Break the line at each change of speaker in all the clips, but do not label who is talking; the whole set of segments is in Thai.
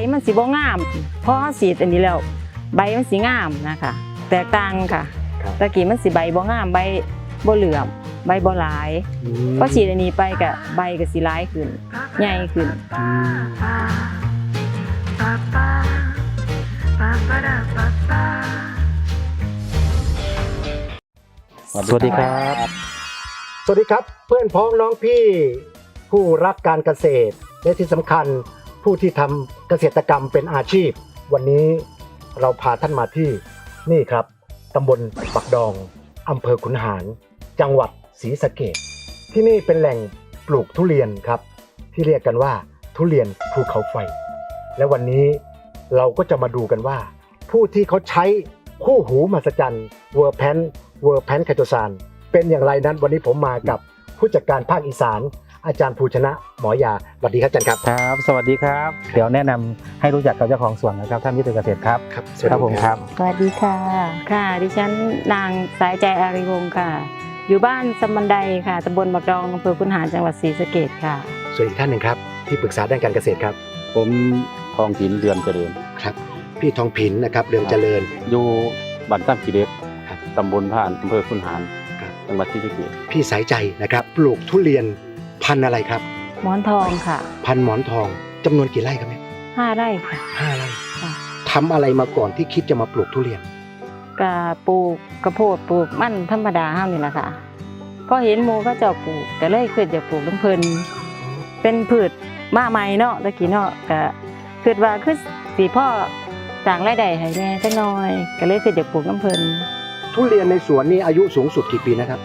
มันสิบ่งามพอสีดอันนี้แล้วใบมันสิงามนะคะแตกต่างค่ะตะกี้มันสิใบบ่งามใบบ่เหลือมใบบ่หลายพอสีดอันนี้ไปก็ใบก็สิหลายขึ้นใหญ่ขึ้น
สวัสดีครับ
สวัสดีครับเพื่อนพ้องน้องพี่ผู้รักการเกษตรและที่สำคัญผู้ที่ทำเกษตรกรรมเป็นอาชีพวันนี้เราพาท่านมาที่นี่ครับตำบลปักดองอำเภอขุนหารจังหวัดศรีสะเกษที่นี่เป็นแหล่งปลูกทุเรียนครับที่เรียกกันว่าทุเรียนภูเขาไฟและวันนี้เราก็จะมาดูกันว่าผู้ที่เขาใช้คู่หูมหัศจรรย์เวอร์แพนไคโตซานเป็นอย่างไรนั้นวันนี้ผมมากับผู้จัดการภาคอีสานอาจารย์ภูชนะหมอยาสวัสดีครับอาจารย์ครับ
ครับสวัสดีครับเดี๋ยวแนะนำให้รู้จักกับเจ้าของสวนนะครับท่านวิทยเกษตรครับครับผมครับ
สวัสดีค่ะค่ะดิฉันนางสายใจอารีวงศ์ค่ะอยู่บ้านสมบันไดค่ะตำบลบักดองอำเภอขุนหารจังหวัดศรีสะเกษค่ะ
ส่วนอีกท่านหนึ่งครับที่ปรึกษาด้านการเกษตรครับ
ผมทองผินเรือนเจริญ
ครับพี่ทองผินนะครับเรือนเจริญ
อยู่บ้านซ้ำกีเด็กตำบลผ่านอำเภอขุนหารจังหวัดศรีสะเกษ
พี่สายใจนะครับปลูกทุเรียนพันธุ์อะไรครับ
หมอนทองค่ะ
พันธุ์หมอนทองจำนวนกี่ไร่ครับเนี่ย
5 ไร่ค่ะ
5 ไร่ทำอะไรมาก่อนที่คิดจะมาปลูกทุเรียน
ก็ปลูกกระโพดปลูกมันธรรมดาห้ามนี่แหละค่ะก็เห็นหมู่ก็เจ้าปลูกก็เลยคิดจะปลูกน้ำเพลินเป็นพืชมาใหม่เนาะตะกี้เนาะก็คิดว่าคือสีพ่อสร้างรายได้ให้แม่จักหน่อยก็เลยคิดจะปลูกน้ำเพลิน
ทุเรียนในสวนนี่อายุสูงสุดกี่ปีนะครับ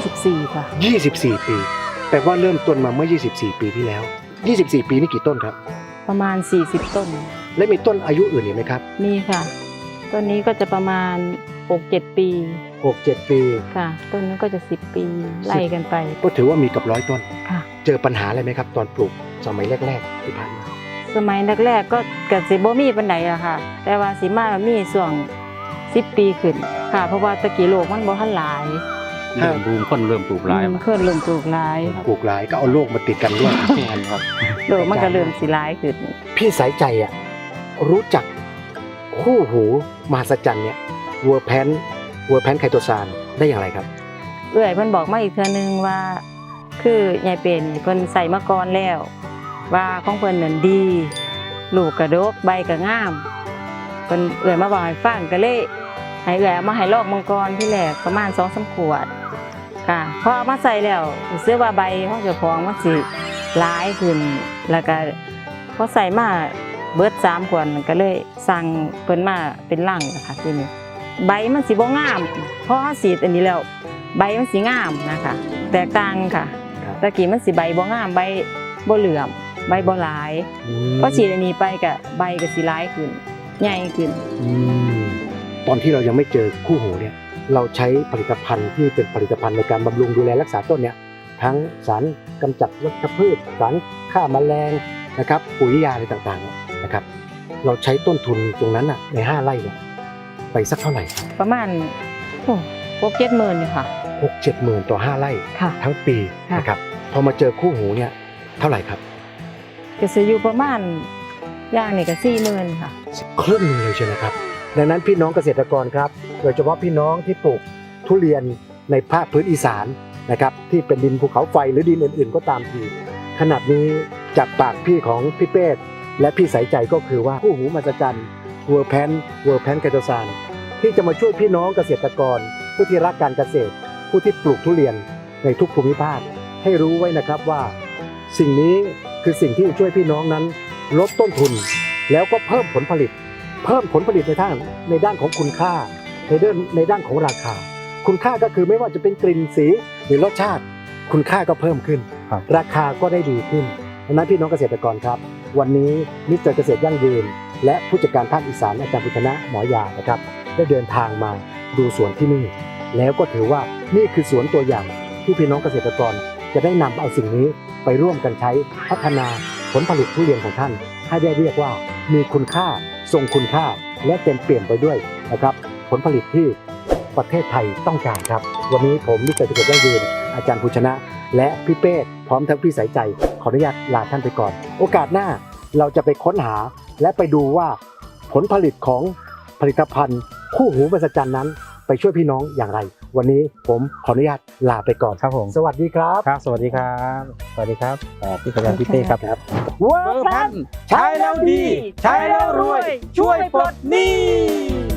24ค่ะ
24 ปีแปลว่าเริ่มต้นมาเมื่อ24 ปีที่แล้ว24 ปีนี่กี่ต้นครับ
ประมาณ40 ต้น
และมีต้นอายุอื่นอีกไหมครับ
มีค่ะต้นนี้ก็จะประมาณ 6-7 ปี
6-7 ปี
ค่ะต้นนี้ก็จะ10 ปีไล่กันไป
ก็ถือว่ามีกับ100 ต้น
ค่ะ
เจอปัญหาอะไรไหมครับตอนปลูกสมัยแรกๆที่ผ่านมา
สมัยแรกๆก็สิบ่มีปานใดอะค่ะแต่ว่าสิมามีช่วง10 ปีขึ้นค่ะเพราะว่าตะกี้โลกมันบ่ทันหลาย
เริ่มบูมคนเริ่มปลูกหลาย
เริ่มปลูกหลาย
ก็เอาโลกมาติดกันด้วย
ครับ
โลกมันก็เริ่มสิหลายขึ้น
พี่สายใจอ่ะรู้จักคู่หูมหัศจรรย์เนี่ยเวอร์แพนไคโตซานได้อย่างไรครับ
เอื้อยเพิ่นบอกมาอีกเทื่อนึงว่าคือยายเป็นเพิ่นใส่มาก่อนแล้วว่าของเพิ่นนั่นดีลูกกระดกใบก็งามเพิ่นเอื้อยมาบอกให้ฟังก็เลยให้เอื้อยเอามาให้ลอกมังกรที่แรกประมาณ 2-3 ขวดค่ะพอเอามาใส่แล้วรู้สึกว่าใบของเจ้าของมันสิหลายขึ้นแล้วก็พอใส่มาเบิด3 ขวดก็เลยสั่งเพิ่นมาเป็นลังนะคะทีนี้ใบมันสิบ่งามพอสีดอันนี้แล้วใบมันสิงามนะคะแตกต่างค่ะตะกี้มันสิใบบ่งามใบบ่เหลือมใบบ่หลายพอสีดอันนี้ไปก็ใบก็สิหลายขึ้นใหญ่ขึ้น
ตอนที่เรายังไม่เจอคู่หูเนี่ยเราใช้ผลิตภัณฑ์ที่เป็นผลิตภัณฑ์ในการบำรุงดูแลรักษาต้นเนี่ยทั้งสารกำจัดวัชพืชสารฆ่าแมลงนะครับปุ๋ยยาอะไรต่างๆนะครับเราใช้ต้นทุนตรงนั้นน่ะใน5 ไร่เนี่ยไปสักเท่าไหร่
ประมาณ6-7 หมื่นค่ะ
6-7 หมื่นต่อ5 ไร่ทั้งปีนะครับพอมาเจอคู่หูเนี่ยเท่าไหร่ครับ
จะซื้ออยู่ประมาณอย่างนี่ก็40,000ค่ะ
ครึ่งนึงเลยใช่ไหมครับดังนั้นพี่น้องเกษตรกรครับโดยเฉพาะพี่น้องที่ปลูกทุเรียนในภาคพื้นอีสานนะครับที่เป็นดินภูเขาไฟหรือดินอื่นๆก็ตามทีขนาดนี้จากปากพี่ของพี่เป้และพี่สายใจก็คือว่าคู่หูมหัศจรรย์เวอร์แพนไคโตซานที่จะมาช่วยพี่น้องเกษตรกรผู้ที่รักการเกษตรผู้ที่ปลูกทุเรียนในทุกภูมิภาคให้รู้ไว้นะครับว่าสิ่งนี้คือสิ่งที่ช่วยพี่น้องนั้นลดต้นทุนแล้วก็เพิ่มผลผลิตในด้านของคุณค่าในด้านของราคาคุณค่าก็คือไม่ว่าจะเป็นกลิ่นสีหรือรสชาติคุณค่าก็เพิ่มขึ้นราคาก็ได้ดีขึ้นดังนั้นพี่น้องเกษตรกรครับวันนี้มิสเตอร์เกษตรยั่งยืนและผู้จัดการภาคอีสานอาจารย์ภูชนะหมอยานะครับได้เดินทางมาดูสวนที่นี่แล้วก็ถือว่านี่คือสวนตัวอย่างที่พี่น้องเกษตรกรจะได้นำเอาสิ่งนี้ไปร่วมกันใช้พัฒนาผลผลิตทุเรียนของท่านให้ได้เรียกว่ามีคุณค่าทรงคุณค่าและเต็มเปี่ยมไปด้วยนะครับผลผลิตที่ประเทศไทยต้องการครับวันนี้ผมมิสเตอร์เกษตรยั่งยืนอาจารย์ภูชนะและพี่เป้พร้อมทั้งพี่สายใจขออนุญาตลาท่านไปก่อนโอกาสหน้าเราจะไปค้นหาและไปดูว่าผลผลิตของผลิตภัณฑ์คู่หูมหัศจรรย์นั้นไปช่วยพี่น้องอย่างไร วันนี้ผมขออนุญาตลาไปก่อน
ครับผม
สวัสดีครับ
ครับสวัสดีครับ สวัสดีครับพี่กำลังพี่เต้ครับ
ครับ
เวอร์พันใช้แล้วดี ใช้แล้วรวย ช่วยปลดหนี้